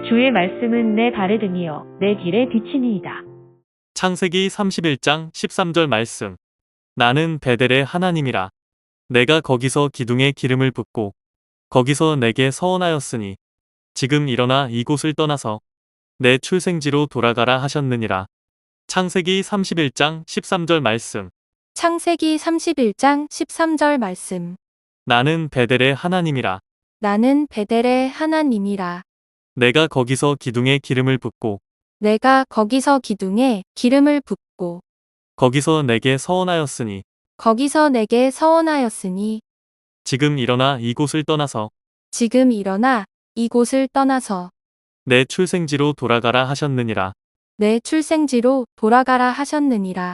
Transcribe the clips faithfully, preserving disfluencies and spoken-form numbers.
주의 말씀은 내 발에 등이요 내 길에 비치니이다. 창세기 삼십일 장 십삼 절 말씀. 나는 베델의 하나님이라. 내가 거기서 기둥에 기름을 붓고 거기서 내게 서원하였으니 지금 일어나 이곳을 떠나서 내 출생지로 돌아가라 하셨느니라. 창세기 삼십일 장 십삼 절 말씀. 창세기 삼십일 장 십삼 절 말씀. 나는 베델의 하나님이라. 나는 베델의 하나님이라. 내가 거기서 기둥에 기름을 붓고 내가 거기서 기둥에 기름을 붓고 거기서 내게 서원하였으니 거기서 내게 서원하였으니 지금 일어나 이곳을 떠나서 지금 일어나 이곳을 떠나서 내 출생지로 돌아가라 하셨느니라. 내 출생지로 돌아가라 하셨느니라.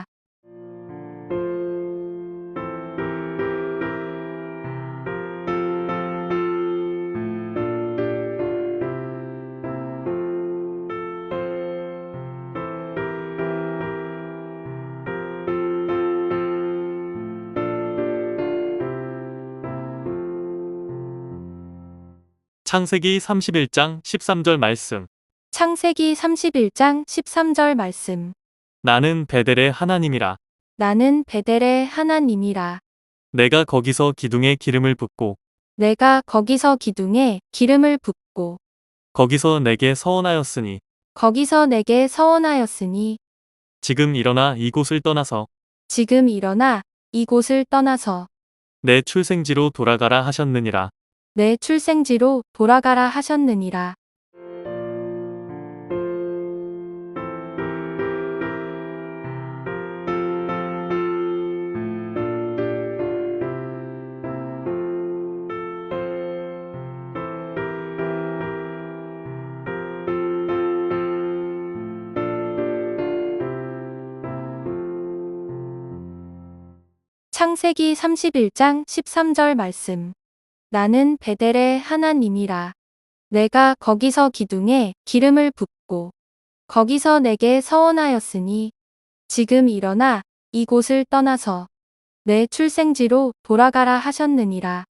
창세기 삼십일 장 십삼 절 말씀. 창세기 삼십일 장 십삼 절 말씀. 나는 베델의 하나님이라. 나는 베델의 하나님이라. 내가 거기서 기둥에 기름을 붓고 내가 거기서 기둥에 기름을 붓고 거기서 내게 서원하였으니 거기서 내게 서원하였으니 지금 일어나 이곳을 떠나서 지금 일어나 이곳을 떠나서 내 출생지로 돌아가라 하셨느니라. 내 출생지로 돌아가라 하셨느니라. 창세기 삼십일 장 십삼 절 말씀. 나는 베델의 하나님이라. 내가 거기서 기둥에 기름을 붓고 거기서 내게 서원하였으니 지금 일어나 이곳을 떠나서 내 출생지로 돌아가라 하셨느니라.